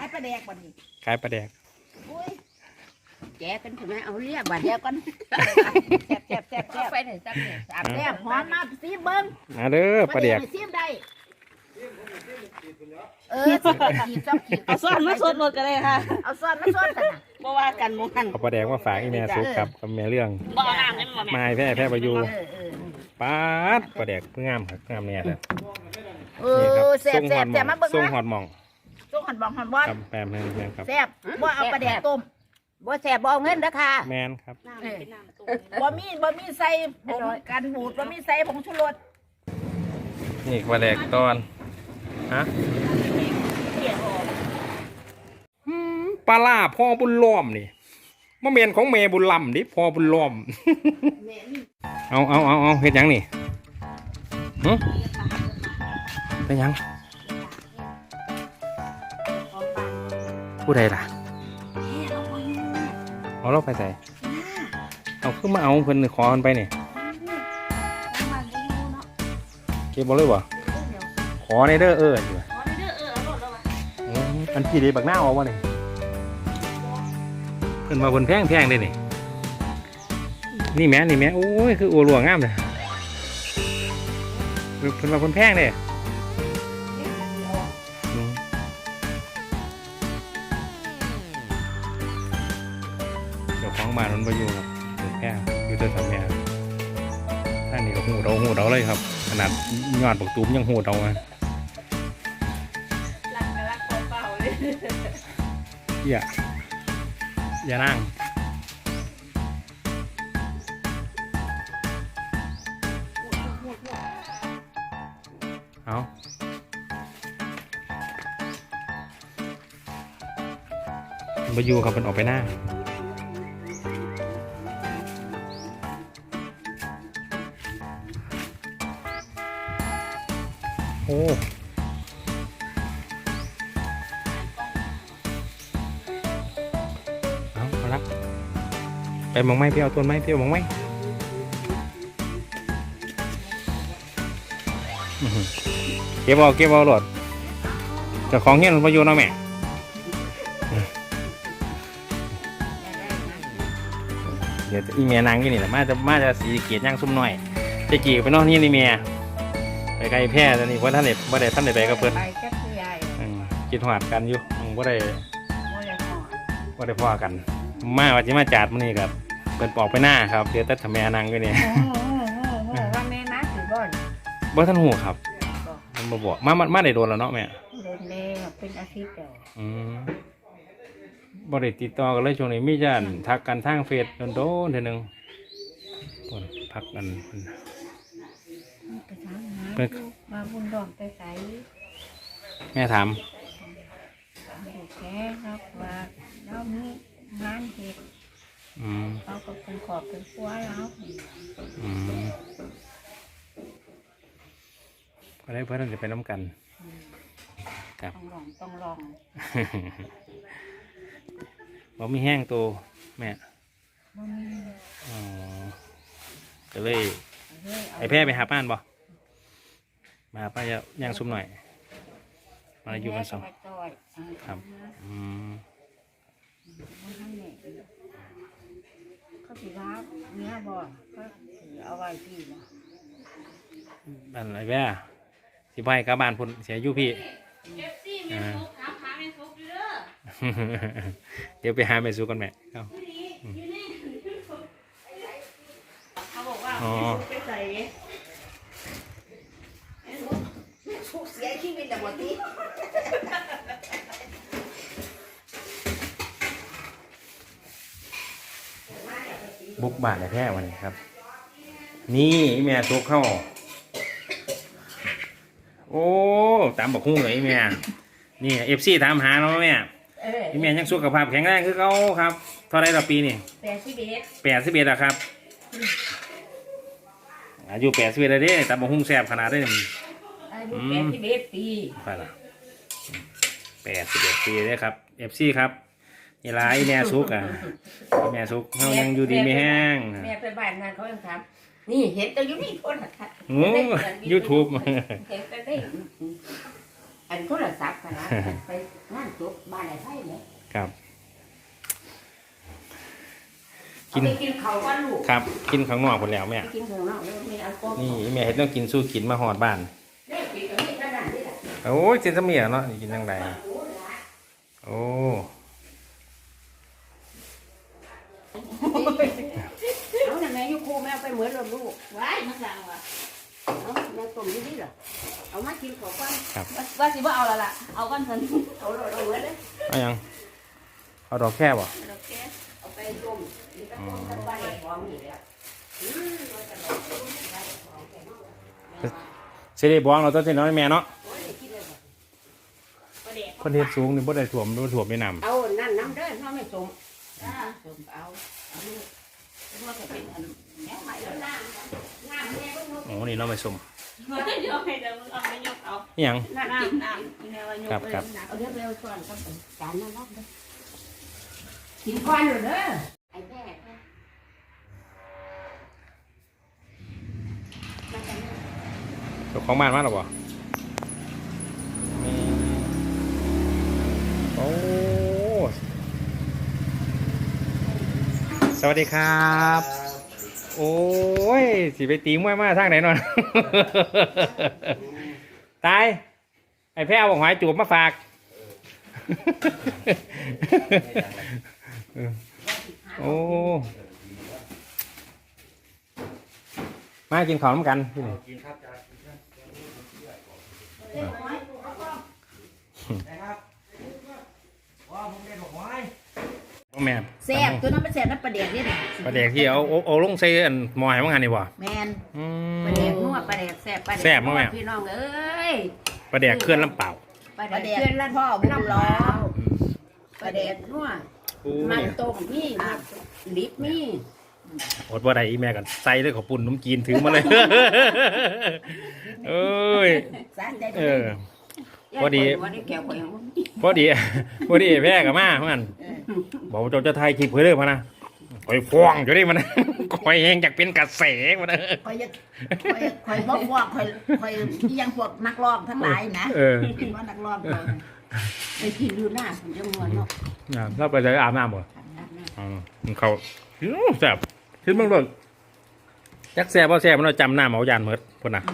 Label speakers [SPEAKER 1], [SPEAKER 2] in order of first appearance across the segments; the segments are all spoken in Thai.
[SPEAKER 1] ายปลาแดกบ่นี่
[SPEAKER 2] ขายปลาแดก
[SPEAKER 1] แกกันใช่ไหมเอาเรียบบัดเดียวกันแซ่บไปไหนซับเนี่ยแซ่บหอมมาซีเบิ้ง
[SPEAKER 2] เด้อปลาแดก
[SPEAKER 1] ซีได้ขีด
[SPEAKER 3] เอาซ้อนมาสดหมดกันเลยค่ะ
[SPEAKER 1] เอาซ้อนมาสดกันนะ
[SPEAKER 3] บ่ว่ากันหมู่กัน
[SPEAKER 2] เอาปลาแดกมาฝากอีแม่สุกครับกับแม่เรื่อง
[SPEAKER 3] บ่เอาน้ำให้มันบ่
[SPEAKER 2] มาให้แพ้ประยูป๊าดปลาแดกเพิ่งงามครับงามเนี่ยเลยนี่ครับ
[SPEAKER 1] แซ่บมาเบิ้ง
[SPEAKER 2] ส่งหอดหม่อง
[SPEAKER 1] ส่งหอดบ่อน
[SPEAKER 2] ครับแปมแม่ครับ
[SPEAKER 1] แซ่บบ่เอาปลาแดกต้มบ่แซ่บบ่เอาเงินนะคะ
[SPEAKER 2] แมนครับ
[SPEAKER 1] บ่มีใส่ผงกันบูดบ่มีใส่ผงชูรส
[SPEAKER 2] นี่ปลาแดกตอนฮะปลาล่าพ่อบุญล้อมนี่มะเมียนของเมบุญลำดิพ่อบุญล้อมเอาเฮ็ดยังนี่เป็นยังผู้ใดล่ะเอาเราไปใส่เอาขึ้นมาเอาเพิ่นขอกันไปนี่เก็บบอลเลยวะขอในเด้ออยู่อันพี่ดีบักหน้าเอาวะนี่เพิ่นมาบนแพงเลยนี่แม่โอ้ยคืออัวหลวงงามเลยเพิ่นมาบนแพงเลยเดี๋ยวของบ้านมันไปอยู่ครับบนแพงอยู่ตัวสามแม่ท่านนี่ก็หูเดาเลยครับขนาดยอดปักตูมยังหูเดาอ่ะอย่านั่งเอาไปอยู่ครับมันออกไปหน้าโอ้เอาละไปมองไม้พี่เอาต้นไม้พี่เอามองไม้เก็บเอาหลอดจะของเงี้ยมันประโยชน์เอาแม่เดี๋ยวอีเมียนางกี่นี่แหละมาจะสีเกียรติย่างซุ่มหน่อยจะกี่ไปนอกนี่เมียไปไกลแพร่ตอนนี้ว่าท่านเด็ดไปกับเพื่อนกินหอดกันอยู่ว่าได้พ่อกันว่าจะมาจัดมันนี่ครับเป็นปอกไปหน้าครับเดี๋ยวตัดทำแม่นางก็เนี่ย
[SPEAKER 1] ว่าแม่นะถือบ่
[SPEAKER 2] ท่านหูครับมันบอกมาได้โดนแล้วเนาะแม่
[SPEAKER 1] โดนแล้วเป็นอาทิตย์เดียว
[SPEAKER 2] บ่ได้ติดต่อกันเลยช่วงนี้มีจันทักกันทางเฟซโดนเท่านึงพักกัน
[SPEAKER 1] มาบุญดอกไปใส่
[SPEAKER 2] แม่ถาม
[SPEAKER 1] แค่ครับว่าเรามีงานเหตุเราก็เป็นขอบเป็นครัวแล้ว
[SPEAKER 2] ก็ได้เพื่อนจะไปน้ำกันครับ
[SPEAKER 1] ต้องลอง
[SPEAKER 2] บ่มีแห้งตัวแม่ก็เลยไอแพร่ไปหาป้านบ่มาป้าย่างซุ่มหน่อยมาอยู่กันสองครับ
[SPEAKER 1] เขาถือว่าเนื้อบ่ก็ถือเอาไว้พี่นะ
[SPEAKER 2] บ้านอะไรแม่สิไปกับบ้านพุ่นเสียอยู่พี่เดี๋ยวไปหาแม่ซูกันแม่เขา
[SPEAKER 3] บอกว่าไปใส่
[SPEAKER 1] เสียชีวิตแต่หมดที
[SPEAKER 2] บุกบ้านแท้วันนี้ครับนี่แม่ซุกเข้าโอ้ตามบอกคู่เลยแม่นี่FCถามหาเนาะแม่แม่ยังสุขภาพแข็งแรงคือเขาครับเท่าไรต่อปีนี่81อะครับอายุ81เลยเด้ตามบอกคู่แซ่บขนาดได้
[SPEAKER 1] อายุ81 ปี
[SPEAKER 2] ไปละ81 ปีเลยครับ FC ครับนี่ร้ายแม่ซุกอ่ะแม่ซุกเขายังอยู่ดีไม่แห้ง
[SPEAKER 1] แม่ไปบ้านงานเขายังถามนี่เห็นแต่ยูนี่โทรศัพท์
[SPEAKER 2] YouTube
[SPEAKER 1] เห็นแต่ได้อันโทรศัพท์ขนาดไปงานจบบ้านไหนไผ่เนี่ย
[SPEAKER 2] ครับ
[SPEAKER 1] กินกินเขาว่าลูก
[SPEAKER 2] ครับกินข้างนอกหมดแล้วแม่
[SPEAKER 1] กินข้างนอกแล้วมีอัลกอฮอล์
[SPEAKER 2] นี่แม่เฮ็ดต้องกินสู้กินมาหอดบ้าน
[SPEAKER 1] เนี่ยกินกับนี่ก็ได้นี่แหละ
[SPEAKER 2] โอ้ยเจนสมียเนาะนี่กินจังไดโอ้
[SPEAKER 1] เอาแต่แม่ยุครูแม่ไปเหมือนเราลูก
[SPEAKER 3] ว้ายมันสั่งว่ะ
[SPEAKER 1] เอาแม่ต้มนี่เหรอเอามากินของกัน
[SPEAKER 3] ว่าสิว่าเอาละล่ะเอากันสัน
[SPEAKER 1] เอาเราเหมือนเลย
[SPEAKER 2] เอายังเอาดอกแค่บ่
[SPEAKER 3] โอเค
[SPEAKER 1] เอาไปต้มนี่ก็ต้มทั้งบ้านของนี่แหละเราจะลองต้มได้ของแกเนาะ
[SPEAKER 2] สิได้บ้องเราต้องสิน้อยแม่เนาะ
[SPEAKER 1] โอ้ยกินเลย
[SPEAKER 3] ประเดี๋ยว
[SPEAKER 2] คนเฮ็ดสูงนี่บ่ได้ถ่วมบ่ถ่วมไม่นำ
[SPEAKER 1] เอานั่นน้ำเด้อเขาไม่ต้ม
[SPEAKER 3] ส่งเอาว่าจะเป็นอันแนวใหม่
[SPEAKER 1] แล้
[SPEAKER 3] แล้ว ว
[SPEAKER 1] น้ำแม่ก็นุ่ม
[SPEAKER 2] โอ้นี่เนาะไม่สม
[SPEAKER 3] เดี๋ยวให้เดี๋ยวมึงเอาไปยกเอา
[SPEAKER 2] อีหยัง
[SPEAKER 1] น้ำกิน
[SPEAKER 3] น้ำกินแนวว่ายก
[SPEAKER 2] ครับ
[SPEAKER 1] เอาเดี๋ยวเร็วก่อนครับจานนั้นรอบเด้อกินก้อนอยู่เด้อไอ้แม่มาจากไหน
[SPEAKER 2] เจ้าของบ้านมาหรอบ่โอ้สวัสดีครับ โอ้ยสิไปตีมวยมาทางไหนนอน ตายไอ้แพ้เอาบอกหอยจูบมาฝาก โอ้มากินข้าวน้ำกันที่นี่ พ่อแม่
[SPEAKER 1] แซ่บตัวนั้นมันแซ่บน้ำปลาเด็กนี่
[SPEAKER 2] ปลาแดกที่เอาลงใส่อันหมอยว่างานนี่บ่
[SPEAKER 1] แมน
[SPEAKER 2] อื
[SPEAKER 1] ปลาเด็กนัวปลาเด็กแซ่บปลาเด็ก
[SPEAKER 2] แซ่บมากแม่
[SPEAKER 1] พี่น้องเอ้ย
[SPEAKER 2] ปลาแดกเคลื่อนลำเปล่า
[SPEAKER 1] ปลาเด็กเพื่อนละพ่อบุญล้อปลาเด็กนัว
[SPEAKER 2] โอ้
[SPEAKER 1] มัน
[SPEAKER 2] ย
[SPEAKER 1] ต้มนี่มันลิบนี่
[SPEAKER 2] อดว่าใดอีแม่กันใส่เลยขอปุ่นน้ำจีนถือมาเลย เอ้ย
[SPEAKER 1] สาใจ
[SPEAKER 2] เออ พอดี
[SPEAKER 1] วันนี้แก้วข่อย
[SPEAKER 2] พอดี พอดีแพ้กับมาเพื่อนบอกว่าจะถ่ายคลิปเพื่อเด้อพะนะคอยฟ้องอยู่ดิมัน คอยเองอยากเป็นกระแสมันนะ
[SPEAKER 1] ข่อยบอกว่าข่อยยังพวกนักร้องทั้งหลายนะ
[SPEAKER 2] เออ
[SPEAKER 1] เป็นว่านักร้องเขาไปกินดูหน้าผมจะงวนเนาะ
[SPEAKER 2] เราไปเลยอาบน้ำบ่เขาแซ่บคิดบ้างเลยจักแซ่บบ่แซ่บมันเราจำหน้าเมายานเมิดพุ่นนะ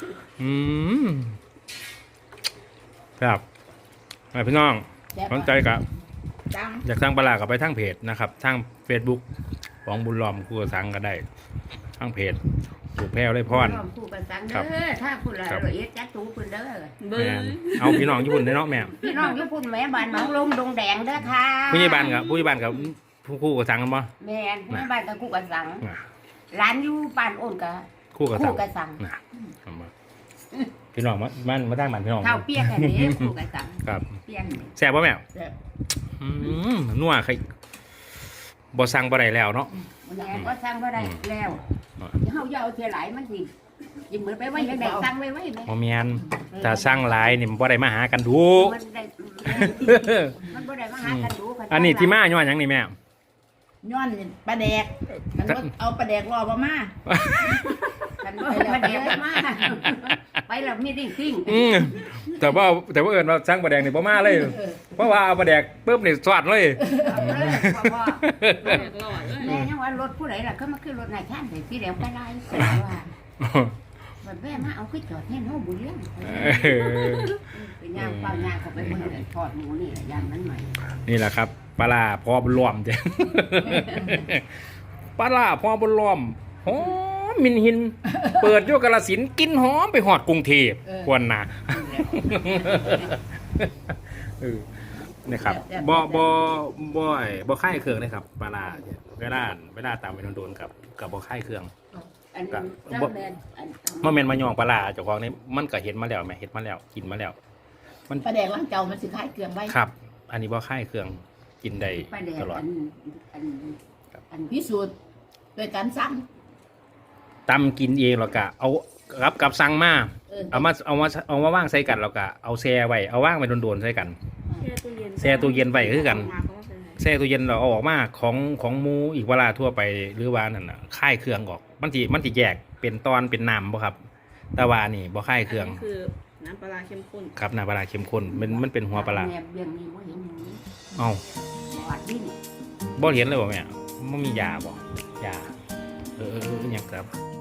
[SPEAKER 2] ครับพี่น้องสนใจกับ
[SPEAKER 1] จัง
[SPEAKER 2] อยากสร้างปลาร้ากับไปทั้งเพจนะครับทั้ง Facebook ของบุญล้อมครูสังก็ได้ทั้งเพจถูกแพ้วได้พร
[SPEAKER 1] ผู้กันสังเด้อถ้าคุณละละเอียดจัดตูคุณเด้อ
[SPEAKER 3] เบอ
[SPEAKER 2] แม่
[SPEAKER 3] ร์
[SPEAKER 2] เอาพี่น้องญี่ปุ่นได้เนาะแม่
[SPEAKER 1] พี่น้องญี่ปุ่นแม่บ้านหนองลมดงแดงเด้อค่ะ
[SPEAKER 2] ผู้ใหญ่บ้านกับผู้ใหญ่บ้านกับคู่กับสังกันบ่
[SPEAKER 1] แม่นแม่บ้านกับคู่กันสังร้านอยู่บ้านโอนกับ
[SPEAKER 2] คู่กับสั
[SPEAKER 1] คู่
[SPEAKER 2] ง
[SPEAKER 1] กันสัง
[SPEAKER 2] นะเอามาพี่น้องมาตั้งบ้านพี่น้อง
[SPEAKER 1] เท่าเปียกกันนี้คู่กันสัง
[SPEAKER 2] ครับ
[SPEAKER 1] เปียกนี่
[SPEAKER 2] แซ่บป่ะแม่
[SPEAKER 1] แซ่บ
[SPEAKER 2] นัวใครบ่สั่งบ่ได้แล้วเนาะ
[SPEAKER 1] แม่ก็สร้างบ่ได้แล้วเฮาอย่าเอาเสียหลายมันสิยิงเหมือนไปไว้ยังได้สั่งไว้แม่
[SPEAKER 2] บ่แม่นถ้าสั่งหลายนี่มันบ่ได้มาหากันดู
[SPEAKER 1] มันได้มันบ่ได้มาหากันดู
[SPEAKER 2] อันนี้ที่มาย้อนหยังนี่แม่
[SPEAKER 4] ย้อนปลาแดกมันบ่เอาปลาแดกรอบ่มา
[SPEAKER 1] กันบ่มาเดี๋ยวมาไปแล้วมีดิ้งซิ่ง
[SPEAKER 2] แต่ว่าเอิญว่าสั่งปลาแดกนี่บ่มาเลย เพราะว่าเอาปลาแดกปุ๊บนี่สวัดเลย
[SPEAKER 1] พ่อแม่ยังว่ารถผู้ใดล่ะก็มาขึ้นรถนายท่านแต่พี่เดี๋ยวไปไล่ว่าแบบแม่มาเอาขึ้นจอดให้น้องบุญเลี้ยงเป็นย่างเปล่าย่างเขาไปบนเลยทอดหมูนี่แหละย่างนั้นใหม่
[SPEAKER 2] นี่แหละครับปลาร้าพอบุญล้อมจ้ะ ปลาร้าพอบุญล้อมหอมมินหิน เปิดโยกกาฬสินธุ์กินหอมไปหอดกรุงเทพควรนะ นะครับบ่ค่ายเครื่องนะครับปลาร้าเนี่ยเวลาตามไปโดนๆกับบ่ค่ายเครื่อง
[SPEAKER 1] อันนั้นเจ้าแมน
[SPEAKER 2] เมื่อแม่นมาย่องปลาร้าเจ้าของนี่มันก็เห็นมาแล้วแม่เห็นมาแล้วกินมาแล้ว
[SPEAKER 4] ปลาแดกล้างเจ้ามันสิคล้ายเกลืองไว้
[SPEAKER 2] ครับ อันนี้บ่ค่ายเครื่องกินได้
[SPEAKER 1] ไปแด
[SPEAKER 2] ต
[SPEAKER 1] ด
[SPEAKER 2] ลอด
[SPEAKER 1] อัน
[SPEAKER 4] พิสูจน์โดยการสั่ง
[SPEAKER 2] ตำกินเองแล้วก็เอากับสั่งมาเอามาว่างใส่กันแล้วก็เอาแช่ไว้เอาว่างไปโดนๆใส่กัน แช่ตู้เย็นไว้คือกัน แช่ตู้เย็นเราเอาออกมาของหมูอีกเวลาทั่วไปหรือว่านั่นน่ะค่ายเครื่องออกมันสิแยกเป็นตอนเป็นน้ำบ่ครับแต่ว่านี่บ่ค่ายเครื่อง
[SPEAKER 3] คือน้ำปลาเข้มข้น
[SPEAKER 2] ครับน้ำปลาร้าเข้มข้นมันเป็นหัวปลาร้า
[SPEAKER 1] แนบเบี่ยงนี่ว่าเห็นอย่างนี้
[SPEAKER 2] เอ้า
[SPEAKER 1] ปอดดิ้น
[SPEAKER 2] บ่เห็นเลยบ่แม่บ่มียาบ่ยาเอออหยังครับ